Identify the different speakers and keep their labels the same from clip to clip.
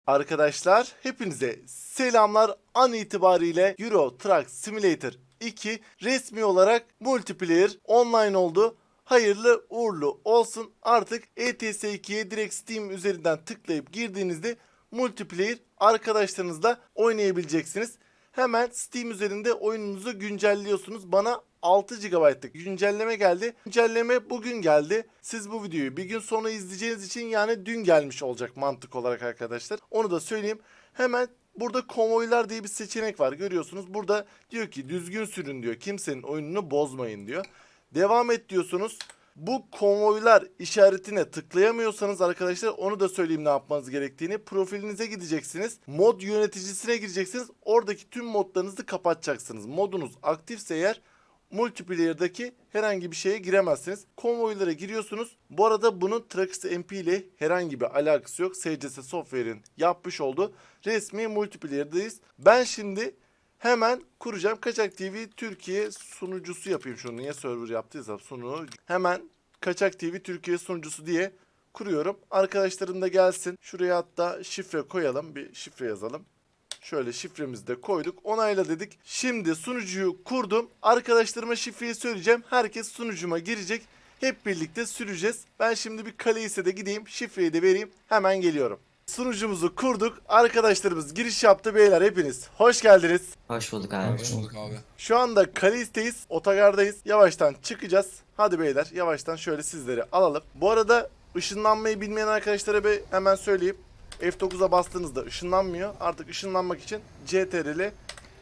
Speaker 1: Arkadaşlar hepinize selamlar. An itibariyle Euro Truck Simulator 2 resmi olarak multiplayer online oldu. Hayırlı uğurlu olsun. Artık ETS 2'ye direkt Steam üzerinden tıklayıp girdiğinizde multiplayer arkadaşlarınızla oynayabileceksiniz. Hemen Steam üzerinde oyununuzu güncelliyorsunuz. Bana 6 GB'lık güncelleme geldi. Güncelleme bugün geldi. Siz bu videoyu bir gün sonra izleyeceğiniz için yani dün gelmiş olacak mantık olarak arkadaşlar. Onu da söyleyeyim. Hemen burada konvoylar diye bir seçenek var. Görüyorsunuz. Burada diyor ki düzgün sürün diyor. Kimsenin oyununu bozmayın diyor. Devam et diyorsunuz. Bu konvoylar işaretine tıklayamıyorsanız arkadaşlar onu da söyleyeyim ne yapmanız gerektiğini. Profilinize gideceksiniz. Mod yöneticisine gireceksiniz. Oradaki tüm modlarınızı kapatacaksınız. Modunuz aktifse eğer multiplayer'daki herhangi bir şeye giremezsiniz. Konvoylara giriyorsunuz. Bu arada bunun Trax MP ile herhangi bir alakası yok. SCS Software'in yapmış olduğu resmi multiplayer'dayız. Ben şimdi hemen kuracağım. Kaçak TV Türkiye sunucusu yapayım şunu. Niye server yaptıysam sunu. Hemen Kaçak TV Türkiye sunucusu diye kuruyorum. Arkadaşlarım da gelsin. Şuraya hatta şifre koyalım. Bir şifre yazalım. Şöyle şifremizi de koyduk. Onayla dedik. Şimdi sunucuyu kurdum. Arkadaşlarıma şifreyi söyleyeceğim. Herkes sunucuma girecek. Hep birlikte süreceğiz. Ben şimdi bir Kaleis'e de gideyim. Şifreyi de vereyim. Hemen geliyorum. Sunucumuzu kurduk. Arkadaşlarımız giriş yaptı beyler hepiniz. Hoş geldiniz.
Speaker 2: Hoş bulduk abi.
Speaker 3: Hoş bulduk abi.
Speaker 1: Şu anda Kaleis'teyiz. Otogardayız. Yavaştan çıkacağız. Hadi beyler yavaştan şöyle sizleri alalım. Bu arada ışınlanmayı bilmeyen arkadaşlara bir hemen söyleyeyim. F9'a bastığınızda ışınlanmıyor. Artık ışınlanmak için CTRL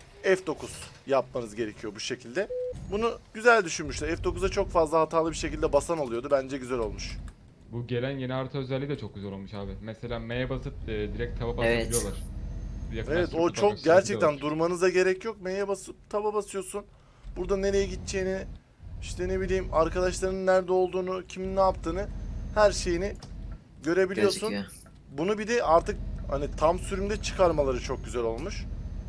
Speaker 1: F9 yapmanız gerekiyor bu şekilde. Bunu güzel düşünmüşler. F9'a çok fazla hatalı bir şekilde basan oluyordu. Bence güzel olmuş.
Speaker 4: Bu gelen yeni harita özelliği de çok güzel olmuş abi. Mesela M'ye basıp direkt tava
Speaker 2: Evet.
Speaker 4: basabiliyorlar.
Speaker 1: Evet o çok gerçekten durmanıza gerek yok. M'ye basıp taba basıyorsun. Burada nereye gideceğini, işte ne bileyim arkadaşlarının nerede olduğunu, kimin ne yaptığını her şeyini görebiliyorsun.
Speaker 2: Gözüküyor.
Speaker 1: Bunu bir de artık hani tam sürümde çıkarmaları çok güzel olmuş.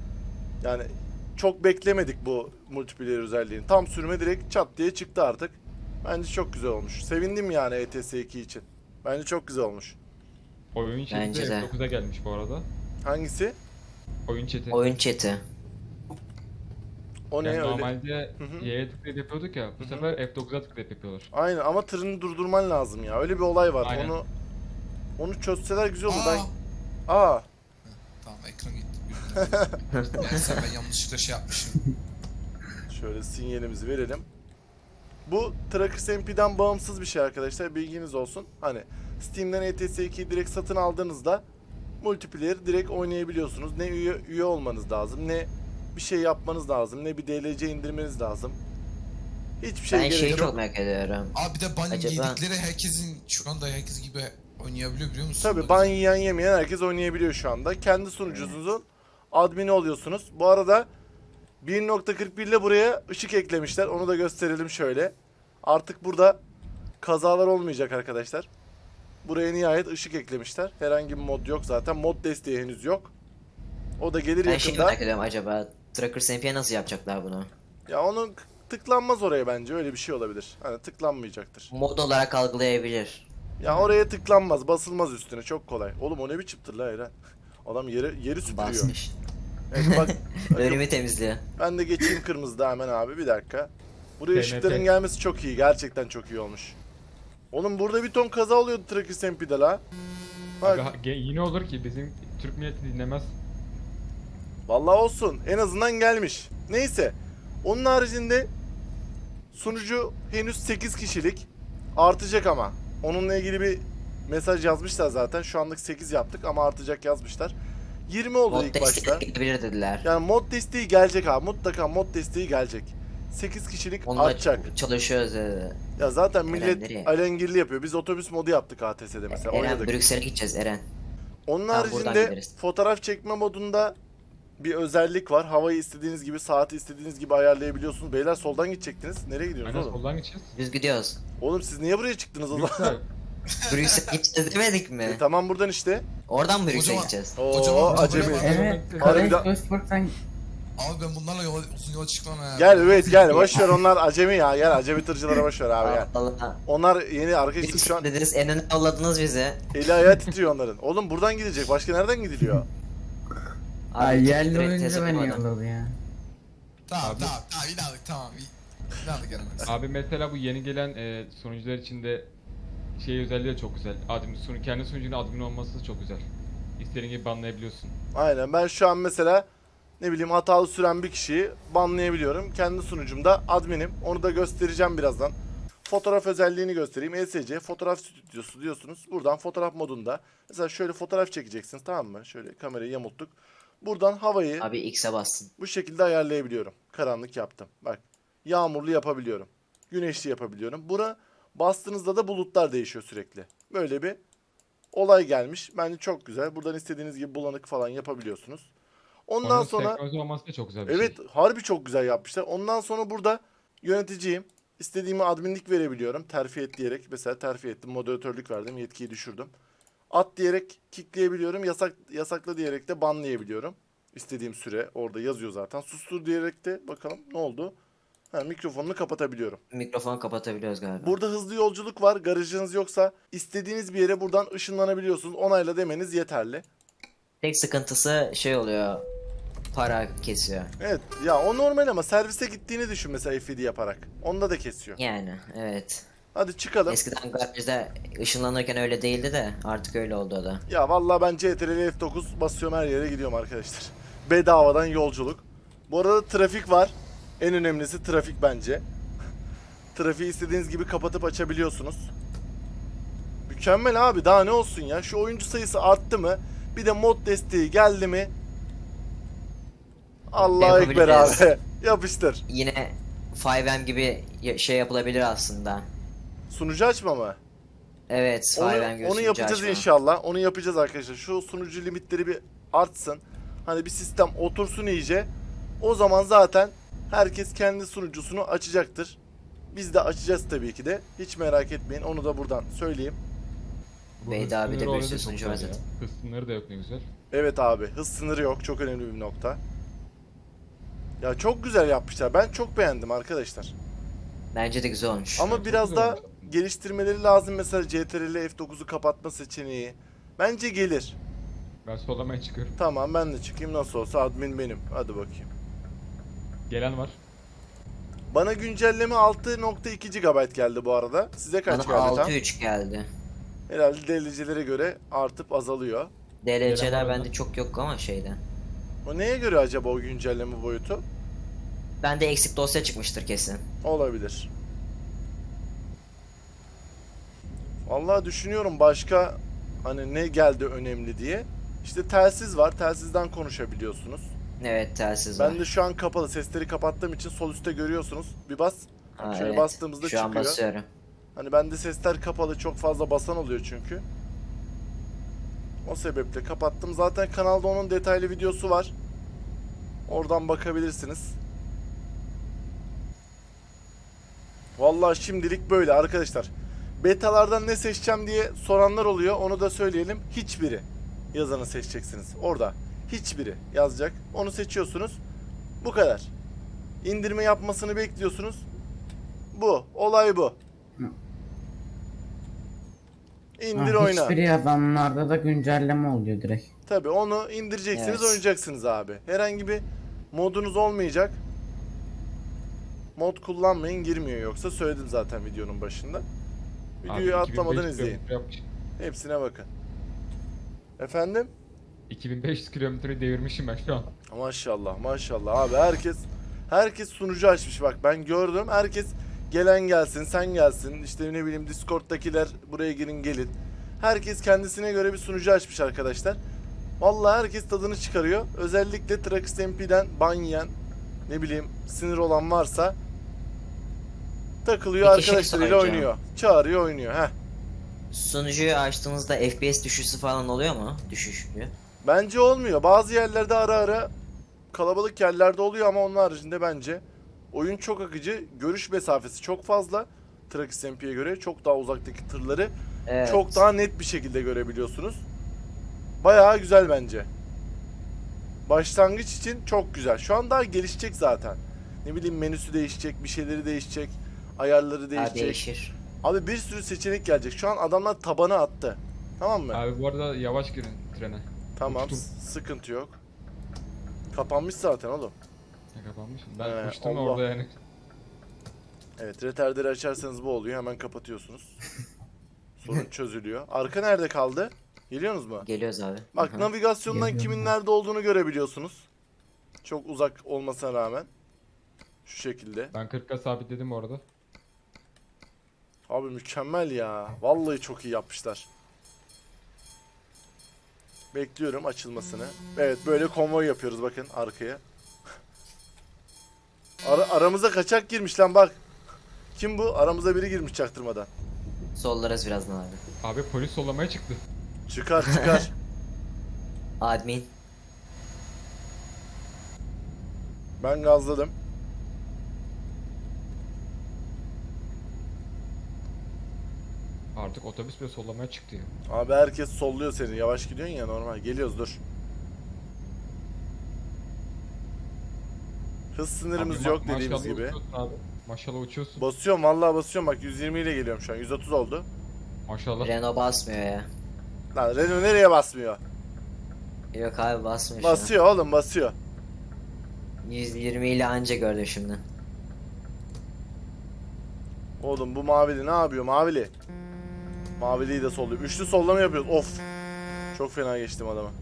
Speaker 1: Yani çok beklemedik bu multiplayer özelliğini. Tam sürüme direkt çat diye çıktı artık. Bence çok güzel olmuş. Sevindim yani ETS 2 için. Bence çok güzel olmuş.
Speaker 4: Oyun chat'i
Speaker 2: Bence de.
Speaker 4: F9'a gelmiş bu arada.
Speaker 1: Hangisi?
Speaker 4: Oyun chat'i.
Speaker 2: Oyun chat'i.
Speaker 1: O ne
Speaker 4: Yani
Speaker 1: öyle?
Speaker 4: normalde
Speaker 1: Hı hı.
Speaker 4: Y'ye tıklayıp yapıyorduk ya. Bu
Speaker 1: Hı hı.
Speaker 4: sefer F9'a tıklayıp yapıyorlar.
Speaker 1: Aynen ama tırını durdurman lazım ya. Öyle bir olay var.
Speaker 4: Aynen.
Speaker 1: Onu çözseler güzel olur.
Speaker 3: Aa!
Speaker 1: Aa,
Speaker 3: Tamam ekran gitti. Neyse ben yanlışlıkla şey yapmışım.
Speaker 1: şöyle sinyalimizi verelim. Bu Trackers MP'den bağımsız bir şey arkadaşlar. Bilginiz olsun. Hani Steam'den ETS 2'yi direkt satın aldığınızda multiplayer direkt oynayabiliyorsunuz. Ne üye olmanız lazım, ne bir şey yapmanız lazım, ne bir DLC indirmeniz lazım. Hiçbir şey
Speaker 2: Ben
Speaker 1: gerek
Speaker 2: şeyi
Speaker 1: yok.
Speaker 2: çok merak ediyorum.
Speaker 3: Abi bir de ban
Speaker 2: Acaba-
Speaker 3: yedikleri herkesin şu anda herkes gibi oynayabiliyor biliyor musun?
Speaker 1: Tabii ban yiyen yemeyen herkes oynayabiliyor şu anda. Kendi sunucunuzun admini oluyorsunuz. Bu arada 1.41 ile buraya ışık eklemişler. Onu da gösterelim şöyle. Artık burada kazalar olmayacak arkadaşlar. Buraya nihayet ışık eklemişler. Herhangi bir mod yok zaten. Mod desteği henüz yok. O da gelir
Speaker 2: Ben şeyi
Speaker 1: yakında.
Speaker 2: merak ediyorum, acaba Trackers MP'ye nasıl yapacaklar bunu?
Speaker 1: Ya onun tıklanmaz oraya bence. Öyle bir şey olabilir. Hani tıklanmayacaktır.
Speaker 2: Mod olarak algılayabilir.
Speaker 1: Ya oraya tıklanmaz. Basılmaz üstüne. Çok kolay. Oğlum o ne biçim tır la Eren? Adam yeri süpürüyor.
Speaker 2: Basmış.
Speaker 1: Evet, bak,
Speaker 2: Önümü temizliyor.
Speaker 1: ben de geçeyim kırmızıda hemen abi. Bir dakika. Buraya
Speaker 4: TNT.
Speaker 1: ışıkların gelmesi çok iyi. Gerçekten çok iyi olmuş. Oğlum burada bir ton kaza oluyordu Trackers MP'de la. Bak.
Speaker 4: Abi, yine olur ki bizim Türk milleti dinlemez.
Speaker 1: Vallahi olsun. En azından gelmiş. Neyse. Onun haricinde sunucu henüz 8 kişilik. Artacak ama. Onunla ilgili bir mesaj yazmışlar zaten. Şu anlık 8 yaptık ama artacak yazmışlar. 20 oldu
Speaker 2: Mod
Speaker 1: ilk başta.
Speaker 2: desteği gelebilir dediler.
Speaker 1: Yani mod desteği gelecek abi. Mutlaka mod desteği gelecek. 8 kişilik
Speaker 2: Onunla
Speaker 1: artacak.
Speaker 2: çalışıyoruz dedi.
Speaker 1: Ya zaten
Speaker 2: Eren
Speaker 1: millet
Speaker 2: nereye?
Speaker 1: alengirli yapıyor. Biz otobüs modu yaptık ATS'de mesela.
Speaker 2: Eren
Speaker 1: Oynadık.
Speaker 2: Brüksel'e gideceğiz Eren.
Speaker 1: Onun
Speaker 2: Tamam, buradan
Speaker 1: haricinde
Speaker 2: gideriz.
Speaker 1: fotoğraf çekme modunda bir özellik var. Havayı istediğiniz gibi, saati istediğiniz gibi ayarlayabiliyorsunuz. Beyler soldan gidecektiniz. Nereye gidiyorsunuz
Speaker 4: Aynen
Speaker 1: oğlum?
Speaker 4: soldan geçeceğiz.
Speaker 2: Biz gidiyoruz.
Speaker 1: Oğlum siz niye buraya çıktınız o zaman?
Speaker 4: Güzel.
Speaker 2: Brüksel'e gideceğiz demedik mi?
Speaker 1: Tamam buradan işte.
Speaker 2: Oradan mı Brüksel'e
Speaker 3: Kocaman-
Speaker 2: gideceğiz?
Speaker 1: Oo
Speaker 3: Kocaman-
Speaker 1: acemi.
Speaker 3: kocaman-
Speaker 5: Evet,
Speaker 1: Harbiden-
Speaker 5: Kaleis Esport'tan
Speaker 3: Abi ben bunlarla uzun yola çıkmam ha.
Speaker 1: Gel evet gel boş ver, onlar acemi ya, gel acemi tırcılara boş ver abi gel.
Speaker 2: Allah.
Speaker 1: Onlar yeni arkadaşlar,
Speaker 2: Biz
Speaker 1: şu an
Speaker 2: dediniz en öne yolladınız bizi.
Speaker 1: eli ayağı titriyor onların. Oğlum buradan gidecek, başka nereden gidiliyor?
Speaker 5: Ay yerli
Speaker 2: direkt
Speaker 5: oyuncu
Speaker 2: test
Speaker 5: beni
Speaker 2: yapamadım.
Speaker 5: yolladı ya.
Speaker 3: Tamam inandık tamam. İnandık yanımda.
Speaker 4: Abi mesela bu yeni gelen sunucular içinde şey özelliği de çok güzel. Kendi sunucunun admin olması da çok güzel. İstediğin gibi banlayabiliyorsun.
Speaker 1: Aynen, ben şu an mesela ne bileyim hatalı süren bir kişiyi banlayabiliyorum. Kendi sunucumda adminim. Onu da göstereceğim birazdan. Fotoğraf özelliğini göstereyim. ESC fotoğraf stüdyosu diyorsunuz. Buradan fotoğraf modunda. Mesela şöyle fotoğraf çekeceksiniz, tamam mı? Şöyle kamerayı yamulttuk. Buradan havayı
Speaker 2: Abi X'e bassın.
Speaker 1: bu şekilde ayarlayabiliyorum. Karanlık yaptım. Bak. Yağmurlu yapabiliyorum. Güneşli yapabiliyorum. Buna bastığınızda da bulutlar değişiyor sürekli. Böyle bir olay gelmiş. Bence çok güzel. Buradan istediğiniz gibi bulanık falan yapabiliyorsunuz. Ondan
Speaker 4: Onun
Speaker 1: sonra
Speaker 4: senkronize olması da çok güzel bir
Speaker 1: evet
Speaker 4: şey.
Speaker 1: harbi çok güzel yapmışlar. Ondan sonra burada yöneticiyim. İstediğime adminlik verebiliyorum. Terfi et diyerek. Mesela terfi ettim. Moderatörlük verdim. Yetkiyi düşürdüm. At diyerek kickleyebiliyorum. Yasakla diyerek de banlayabiliyorum. İstediğim süre orada yazıyor zaten. Sustur diyerek de bakalım ne oldu. Mikrofonunu kapatabiliyorum.
Speaker 2: Mikrofonu kapatabiliyoruz galiba.
Speaker 1: Burada hızlı yolculuk var. Garajınız yoksa istediğiniz bir yere buradan ışınlanabiliyorsunuz. Onayla demeniz yeterli.
Speaker 2: Tek sıkıntısı şey oluyor. Para kesiyor.
Speaker 1: Evet ya, o normal ama servise gittiğini düşün mesela FID yaparak. Onda da kesiyor.
Speaker 2: Yani evet.
Speaker 1: Hadi çıkalım.
Speaker 2: Eskiden garajda ışınlanırken öyle değildi de artık öyle oldu o da.
Speaker 1: Ya vallahi ben CTRL F9 basıyorum, her yere gidiyorum arkadaşlar. Bedavadan yolculuk. Bu arada trafik var. En önemlisi trafik bence. Trafiği istediğiniz gibi kapatıp açabiliyorsunuz. Mükemmel abi, daha ne olsun ya. Şu oyuncu sayısı arttı mı? Bir de mod desteği geldi mi? Allahu Ekber
Speaker 2: Yapabileceğiz.
Speaker 1: abi. Yapıştır.
Speaker 2: Yine 5M gibi şey yapılabilir aslında.
Speaker 1: Sunucu açma mı?
Speaker 2: Evet,
Speaker 1: Onu,
Speaker 2: 5M gibi
Speaker 1: onu
Speaker 2: sunucu
Speaker 1: yapacağız
Speaker 2: açma.
Speaker 1: inşallah. Onu yapacağız arkadaşlar. Şu sunucu limitleri bir artsın. Hani bir sistem otursun iyice. O zaman zaten herkes kendi sunucusunu açacaktır. Biz de açacağız tabii ki de. Hiç merak etmeyin. Onu da buradan söyleyeyim.
Speaker 4: Bu
Speaker 2: Beyda
Speaker 4: hız
Speaker 2: abi de
Speaker 4: sınırı
Speaker 2: bir
Speaker 4: orada
Speaker 2: sürü
Speaker 4: çok
Speaker 2: sunucu var
Speaker 4: güzel ya.
Speaker 2: zaten.
Speaker 4: Hız sınırı da yok, ne güzel.
Speaker 1: Evet abi, hız sınırı yok. Çok önemli bir nokta. Ya çok güzel yapmışlar. Ben çok beğendim arkadaşlar.
Speaker 2: Bence de güzel olmuş.
Speaker 1: Ama
Speaker 4: çok
Speaker 1: biraz
Speaker 4: güzel
Speaker 1: da
Speaker 4: olmuş.
Speaker 1: geliştirmeleri lazım. Mesela CTRL F9'u kapatma seçeneği. Bence gelir.
Speaker 4: Ben sollamaya çıkıyorum.
Speaker 1: Tamam, ben de çıkayım, nasıl olsa admin benim. Hadi bakayım.
Speaker 4: Gelen var.
Speaker 1: Bana güncelleme 6.2 GB geldi bu arada. Size kaç
Speaker 2: Bana
Speaker 1: geldi tam?
Speaker 2: 6.3 geldi.
Speaker 1: Herhalde DLC'lere göre artıp azalıyor.
Speaker 2: DLC'ler
Speaker 4: var
Speaker 2: bende
Speaker 4: mı?
Speaker 2: çok yok ama şeyde.
Speaker 1: O neye göre acaba o güncelleme boyutu?
Speaker 2: Bende eksik dosya çıkmıştır kesin.
Speaker 1: Olabilir. Vallahi düşünüyorum başka hani ne geldi önemli diye. İşte telsiz var. Telsizden konuşabiliyorsunuz.
Speaker 2: Evet, telsiz var.
Speaker 1: Ben de şu an kapalı. Sesleri kapattığım için sol üstte görüyorsunuz. Bir bas.
Speaker 2: Ha,
Speaker 1: şöyle
Speaker 2: evet.
Speaker 1: bastığımızda
Speaker 2: Şu an
Speaker 1: çıkıyor.
Speaker 2: basıyorum.
Speaker 1: Hani bende sesler kapalı, çok fazla basan oluyor çünkü. O sebeple kapattım. Zaten kanalda onun detaylı videosu var. Oradan bakabilirsiniz. Vallahi şimdilik böyle arkadaşlar. Betalardan ne seçeceğim diye soranlar oluyor. Onu da söyleyelim. Hiçbiri yazanı seçeceksiniz. Orada hiçbiri yazacak. Onu seçiyorsunuz. Bu kadar. İndirme yapmasını bekliyorsunuz. Bu. Olay bu. İndir oyna.
Speaker 5: Hiçbir yazanlarda da güncelleme oluyor direkt.
Speaker 1: Tabii onu indireceksiniz,
Speaker 2: Evet.
Speaker 1: oynayacaksınız abi. Herhangi bir modunuz olmayacak. Mod kullanmayın, girmiyor yoksa, söyledim zaten videonun başında. Videoyu
Speaker 4: Abi,
Speaker 1: atlamadan
Speaker 4: 2500
Speaker 1: izleyin.
Speaker 4: kilometre yapmış.
Speaker 1: Hepsine bakın. Efendim?
Speaker 4: 2500 kilometreyi devirmişim ben şu an.
Speaker 1: Maşallah maşallah abi, herkes sunucu açmış, bak ben gördüm, herkes gelen gelsin, sen gelsin, işte ne bileyim Discord'dakiler buraya girin gelin. Herkes kendisine göre bir sunucu açmış arkadaşlar. Vallahi herkes tadını çıkarıyor. Özellikle Trax MP'den ban yiyen, ne bileyim sinir olan varsa takılıyor,
Speaker 2: Bir kişilik
Speaker 1: arkadaşlarıyla
Speaker 2: sunucu.
Speaker 1: oynuyor. Çağırıyor, oynuyor.
Speaker 2: Sunucuyu açtığınızda FPS düşüşü falan oluyor mu? Düşüşlü.
Speaker 1: Bence olmuyor. Bazı yerlerde ara ara kalabalık yerlerde oluyor ama onun haricinde bence oyun çok akıcı. Görüş mesafesi çok fazla. Trax MP'ye göre çok daha uzaktaki tırları
Speaker 2: Evet.
Speaker 1: çok daha net bir şekilde görebiliyorsunuz. Bayağı güzel bence. Başlangıç için çok güzel. Şu an daha gelişecek zaten. Ne bileyim menüsü değişecek, bir şeyleri değişecek, ayarları
Speaker 2: Ha,
Speaker 1: değişecek.
Speaker 2: değişir.
Speaker 1: Abi bir sürü seçenek gelecek. Şu an adamlar tabana attı. Tamam mı?
Speaker 4: Abi bu arada yavaş girin trene.
Speaker 1: Tamam,
Speaker 4: uçtum.
Speaker 1: sıkıntı yok. Kapanmış zaten oğlum.
Speaker 4: Ne kapanmış? Ben
Speaker 1: He,
Speaker 4: uçtum
Speaker 1: Allah.
Speaker 4: orada yani.
Speaker 1: Evet, retarderi açarsanız bu oluyor. Hemen kapatıyorsunuz. Sorun çözülüyor. Arka nerede kaldı? Geliyorsunuz mu?
Speaker 2: Geliyoruz abi.
Speaker 1: Bak,
Speaker 2: Hı hı.
Speaker 1: navigasyondan
Speaker 5: Geliyorum
Speaker 1: kimin
Speaker 5: ben.
Speaker 1: nerede olduğunu görebiliyorsunuz. Çok uzak olmasına rağmen. Şu şekilde.
Speaker 4: Ben 40'a sabitledim orada.
Speaker 1: Abi mükemmel ya. Vallahi çok iyi yapmışlar. Bekliyorum açılmasını. Evet, böyle konvoy yapıyoruz bakın arkaya. Aramıza kaçak girmiş lan bak. Kim bu? Aramıza biri girmiş çaktırmadan.
Speaker 2: Sollarız birazdan abi.
Speaker 4: Abi polis sollamaya çıktı.
Speaker 1: Çıkar çıkar.
Speaker 2: Admin.
Speaker 1: Ben gazladım.
Speaker 4: Artık otobüs bile sollamaya çıktı ya.
Speaker 1: Abi herkes solluyor seni. Yavaş gidiyorsun ya, normal. Geliyoruz, dur. Hız sınırımız
Speaker 4: Abi
Speaker 1: yok dediğimiz
Speaker 4: maşallah
Speaker 1: gibi.
Speaker 4: uçuyorsun abi. Maşallah uçuyorsun.
Speaker 1: Basıyorum, vallahi basıyorum, bak 120 ile geliyorum şu an. 130 oldu.
Speaker 4: Maşallah.
Speaker 2: Renault basmıyor ya.
Speaker 1: Lan Renault nereye basmıyor?
Speaker 2: Yok abi basmıyor şu an.
Speaker 1: Basıyor oğlum, basıyor.
Speaker 2: 120 ile anca gördüm şimdi.
Speaker 1: Oğlum bu mavili ne yapıyor mavili? Maviliyi de solluyor. Üçlü sollama yapıyoruz. Of. Çok fena geçtim adama.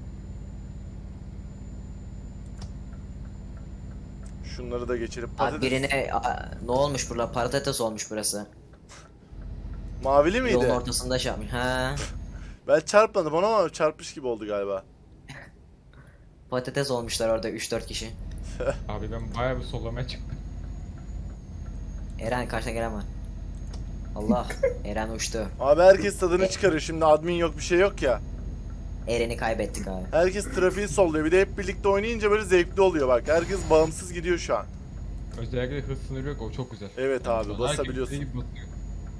Speaker 1: Şunları da geçirip
Speaker 2: Abi
Speaker 1: patates.
Speaker 2: birine ne olmuş burada? Patates olmuş burası.
Speaker 1: Mavili
Speaker 2: Yolun
Speaker 1: miydi?
Speaker 2: ortasında şey yapmış. Ha.
Speaker 1: Ben çarpmadım ona ama çarpmış gibi oldu galiba.
Speaker 2: Patates olmuşlar orada 3-4 kişi.
Speaker 4: Abi ben bayağı bir sollamaya çıktım.
Speaker 2: Eren karşına gelen var. Allah. Eren uçtu.
Speaker 1: Abi herkes tadını çıkarıyor. Şimdi admin yok, bir şey yok ya.
Speaker 2: Eren'i kaybettik abi.
Speaker 1: Herkes trafiği solluyor. Bir de hep birlikte oynayınca böyle zevkli oluyor bak. Herkes bağımsız gidiyor şu an.
Speaker 4: Özellikle hız sınırı yok, o çok güzel.
Speaker 1: Evet abi,
Speaker 4: Herkes
Speaker 1: basabiliyorsun.
Speaker 4: istediği gibi basıyor.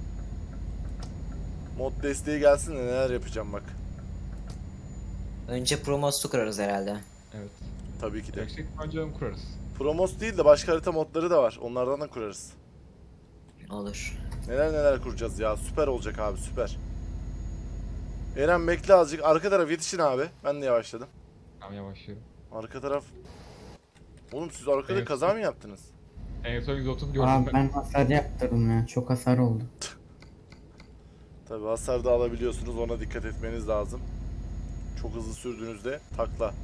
Speaker 1: Mod desteği gelsin de neler yapacağım bak.
Speaker 2: Önce Promos'u kurarız herhalde.
Speaker 4: Evet.
Speaker 1: Tabii ki de.
Speaker 4: Yüksek önceden kurarız.
Speaker 1: Promos değil de başka harita modları da var. Onlardan da kurarız.
Speaker 2: Olur.
Speaker 1: Neler neler kuracağız ya. Süper olacak abi, süper. Eren bekle azıcık. Arka taraf yetişin abi. Ben de yavaşladım.
Speaker 4: Tamam yavaşlıyorum.
Speaker 1: Arka taraf. Oğlum siz arkada
Speaker 4: Evet.
Speaker 1: kaza mı yaptınız?
Speaker 4: En son 130 gördüm
Speaker 5: Abi
Speaker 4: ben.
Speaker 5: ben hasar yaptırdım ya. Çok hasar oldu.
Speaker 1: Tabii hasar da alabiliyorsunuz. Ona dikkat etmeniz lazım. Çok hızlı sürdüğünüzde takla.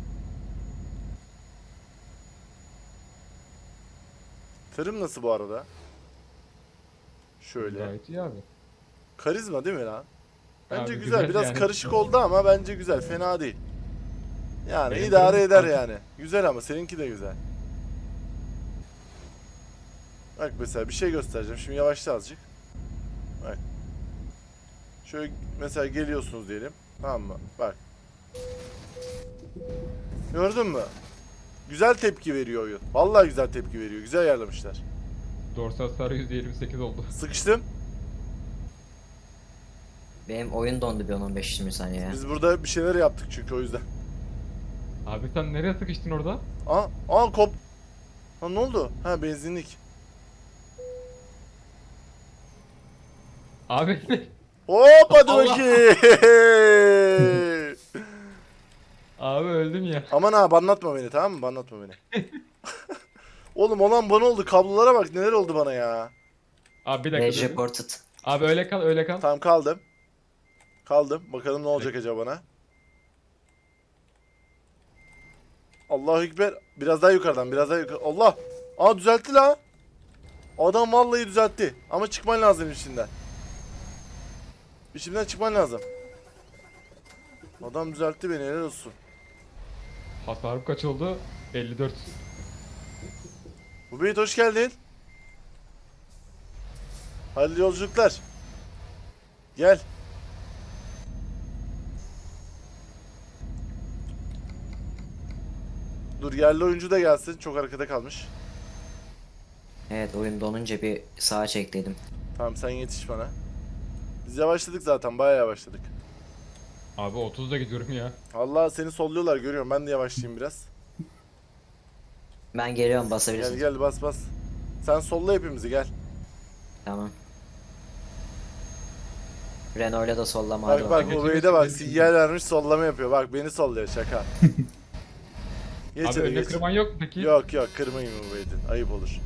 Speaker 1: Tırım nasıl bu arada? Şöyle.
Speaker 4: Gayet iyi abi.
Speaker 1: Karizma değil mi lan? Bence
Speaker 4: Abi
Speaker 1: güzel.
Speaker 4: güzel
Speaker 1: Biraz
Speaker 4: yani.
Speaker 1: karışık oldu ama bence güzel. Fena değil. Yani
Speaker 4: Benim
Speaker 1: idare
Speaker 4: tırım
Speaker 1: eder
Speaker 4: karışık.
Speaker 1: yani. Güzel ama seninki de güzel. Bak mesela bir şey göstereceğim. Şimdi yavaşla azıcık. Bak. Şöyle mesela geliyorsunuz diyelim. Tamam mı? Bak. Gördün mü? Güzel tepki veriyor oyun. Vallahi güzel tepki veriyor. Güzel ayarlamışlar.
Speaker 4: Dorsal hasarı %28 oldu.
Speaker 1: Sıkıştım.
Speaker 2: Benim oyun dondu bir 10-15-20 saniye ya.
Speaker 1: Biz burada bir şeyler yaptık çünkü o yüzden.
Speaker 4: Abi sen nereye sıkıştın orada?
Speaker 1: Aa kop. Ha ne oldu? Ha benzinlik.
Speaker 4: Abi
Speaker 1: Hop hadi
Speaker 4: Allah.
Speaker 1: bakayım.
Speaker 4: abi öldüm ya.
Speaker 1: Aman abi anlatma beni, tamam mı? Anlatma beni. Oğlum olan bana oldu. Kablolara bak neler oldu bana ya.
Speaker 4: Abi bir
Speaker 2: Rage
Speaker 4: dakika. dur.
Speaker 2: reported.
Speaker 4: Abi öyle kal öyle kal.
Speaker 1: Tamam kaldım. Kaldım. Bakalım ne olacak acaba bana. Allahu Ekber. Biraz daha yukarıdan, biraz daha yukarı. Allah. Aa düzeltti la. Adam vallahi düzeltti. Ama çıkman lazım içinden. İçimden çıkman lazım. Adam düzeltti beni, helal olsun.
Speaker 4: Hasarım kaç oldu? 54.
Speaker 1: Bu Beyt hoş geldin. Hayırlı yolculuklar. Gel. Dur yerli oyuncu da gelsin. Çok arkada kalmış.
Speaker 2: Evet oyun donunca bir sağa çektiydim.
Speaker 1: Tamam sen yetiş bana. Biz yavaşladık zaten. Bayağı yavaşladık.
Speaker 4: Abi 30'da gidiyorum ya.
Speaker 1: Allah seni solluyorlar, görüyorum. Ben de yavaşlayayım biraz.
Speaker 2: Ben geliyorum,
Speaker 1: Gel
Speaker 2: basabilirsin.
Speaker 1: gel bas bas. Sen solla hepimizi gel.
Speaker 2: Tamam. Renault'la da sollama hadi
Speaker 1: Bak
Speaker 2: bakalım.
Speaker 1: bak Ubeyde bak sinyal vermiş sollama yapıyor. Bak beni solluyor şaka. Geç
Speaker 4: Abi
Speaker 1: hadi
Speaker 4: önüne
Speaker 1: geç.
Speaker 4: kırman yok mu peki?
Speaker 1: Yok yok kırmayın Ubeyde. Ayıp olur.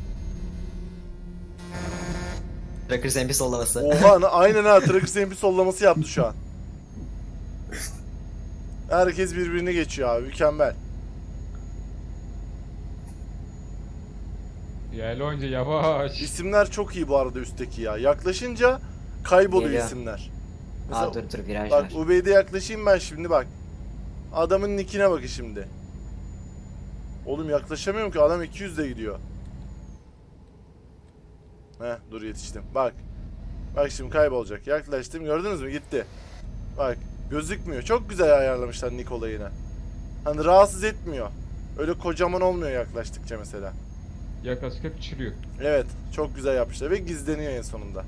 Speaker 2: Trackers MP sollaması.
Speaker 1: Oha aynen ha Trackers MP sollaması yaptı şu an. Herkes birbirini geçiyor abi mükemmel.
Speaker 4: Yerli oyuncu yavaş.
Speaker 1: İsimler çok iyi bu arada üstteki ya. Yaklaşınca kayboluyor
Speaker 2: Geliyor.
Speaker 1: isimler.
Speaker 2: Aa dur viraj
Speaker 1: Bak
Speaker 2: var.
Speaker 1: Ubeyde yaklaşayım ben şimdi bak. Adamın nickine bakın şimdi. Oğlum yaklaşamıyorum ki adam 200'de gidiyor. Heh dur yetiştim. Bak. Bak şimdi kaybolacak. Yaklaştım gördünüz mü gitti. Bak gözükmüyor. Çok güzel ayarlamışlar nick olayını. Hani rahatsız etmiyor. Öyle kocaman olmuyor yaklaştıkça mesela.
Speaker 4: Yaklaşık küçülüyor.
Speaker 1: Evet çok güzel yapmışlar ve gizleniyor en sonunda.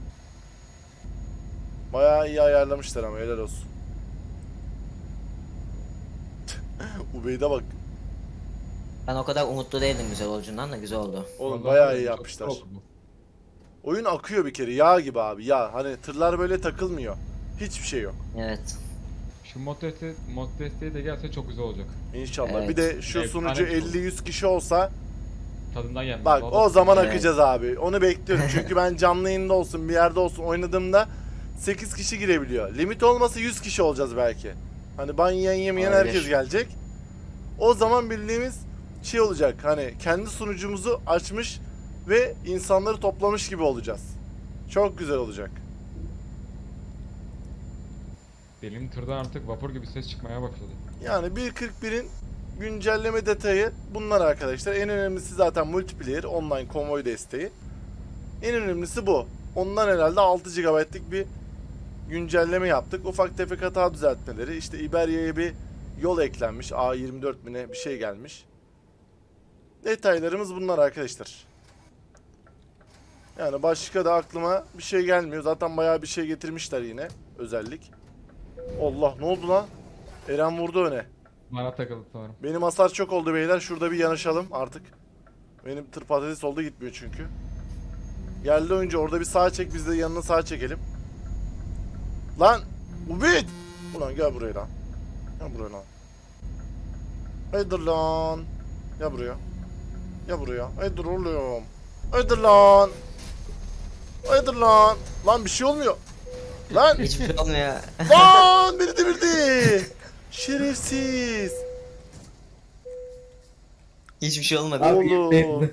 Speaker 1: Bayağı iyi ayarlamışlar ama helal olsun. Ubeyde bak.
Speaker 2: Ben o kadar umutlu değildim güzel olduğundan da güzel oldu.
Speaker 1: Oğlum
Speaker 4: Vallahi
Speaker 1: bayağı iyi
Speaker 4: çok
Speaker 1: yapmışlar.
Speaker 4: güzel oldu bu.
Speaker 1: Oyun akıyor bir kere yağ gibi abi yağ. Hani tırlar böyle takılmıyor. Hiçbir şey yok.
Speaker 2: Evet.
Speaker 4: Şu mod desteği de gelse çok güzel olacak.
Speaker 1: İnşallah.
Speaker 2: Evet.
Speaker 1: Bir de şu
Speaker 4: Efsane
Speaker 1: sunucu
Speaker 4: bir şey
Speaker 1: 50-100 kişi olsa
Speaker 4: Tadından yenmez.
Speaker 1: bak
Speaker 4: vallahi.
Speaker 1: o zaman
Speaker 2: Evet.
Speaker 1: akacağız abi. Onu bekliyorum. Çünkü ben canlı yayında olsun bir yerde olsun oynadığımda 8 kişi girebiliyor. Limit olmasa 100 kişi olacağız belki. Hani ban yiyen yemeyen
Speaker 2: Olabilir.
Speaker 1: herkes gelecek. O zaman bildiğimiz şey olacak. Hani kendi sunucumuzu açmış ve insanları toplamış gibi olacağız. Çok güzel olacak.
Speaker 4: Benim tırdan artık vapur gibi ses çıkmaya başladı.
Speaker 1: Yani 1.41'in güncelleme detayı bunlar arkadaşlar. En önemlisi zaten multiplayer, online konvoy desteği. En önemlisi bu. Ondan herhalde 6 GB'lık bir güncelleme yaptık. Ufak tefek hata düzeltmeleri. İşte İberya'ya bir yol eklenmiş. A24 mi ne bir şey gelmiş. Detaylarımız bunlar arkadaşlar. Yani başka da aklıma bir şey gelmiyor. Zaten bayağı bir şey getirmişler yine. Özellik. Allah ne oldu lan? Eren vurdu öne.
Speaker 4: Bana takıldı sanırım.
Speaker 1: Benim hasar çok oldu beyler. Şurada bir yanaşalım artık. Benim tır patates oldu gitmiyor çünkü. Geldi oyuncu orada bir sağa çek biz de yanına sağa çekelim. Lan! Ubit! Ulan gel buraya lan. Gel buraya lan. Haydır lan. Gel buraya. Gel buraya. Haydır oğlum. Haydır lan. Haydır lan. Lan bir şey olmuyor. Lan!
Speaker 2: Hiçbir şey olmuyor.
Speaker 1: Lan beni devirdi. Şerefsiz.
Speaker 2: Hiçbir şey olmadı.
Speaker 1: Oğlum.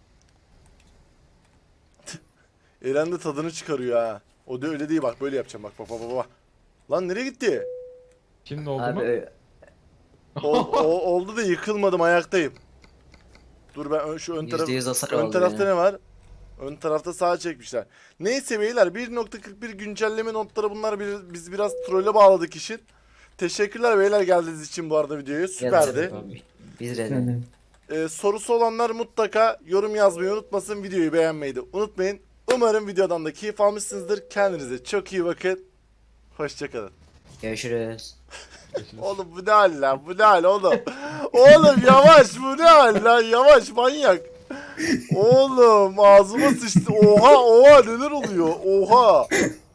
Speaker 1: Eren de tadını çıkarıyor ha. O da öyle değil bak böyle yapacağım bak bak bak bak. Lan nereye gitti?
Speaker 4: Şimdi oldu mu?
Speaker 2: Abi
Speaker 1: Oldu da yıkılmadım ayaktayım. Dur ben şu ön taraf
Speaker 2: %100 hasar
Speaker 1: ön
Speaker 2: oldu
Speaker 1: tarafta
Speaker 2: yani.
Speaker 1: ne var? Ön tarafta sağa çekmişler. Neyse beyler 1.41 güncelleme notları bunlar biz biraz trolle bağladık işin. Teşekkürler beyler geldiğiniz için bu arada videoya süperdi.
Speaker 4: Tabii.
Speaker 2: Biz Rene.
Speaker 5: Yani
Speaker 1: Sorusu olanlar mutlaka yorum yazmayı unutmasın. Videoyu beğenmeyi de unutmayın. Umarım videodan da keyif almışsınızdır. Kendinize çok iyi bakın. Hoşçakalın.
Speaker 2: Görüşürüz.
Speaker 4: Görüşürüz.
Speaker 1: Oğlum bu ne hal lan? Bu ne hal oğlum? Oğlum yavaş bu ne hal lan? Yavaş manyak. Oğlum ağzıma sıçtı. Oha oha neler oluyor? Oha.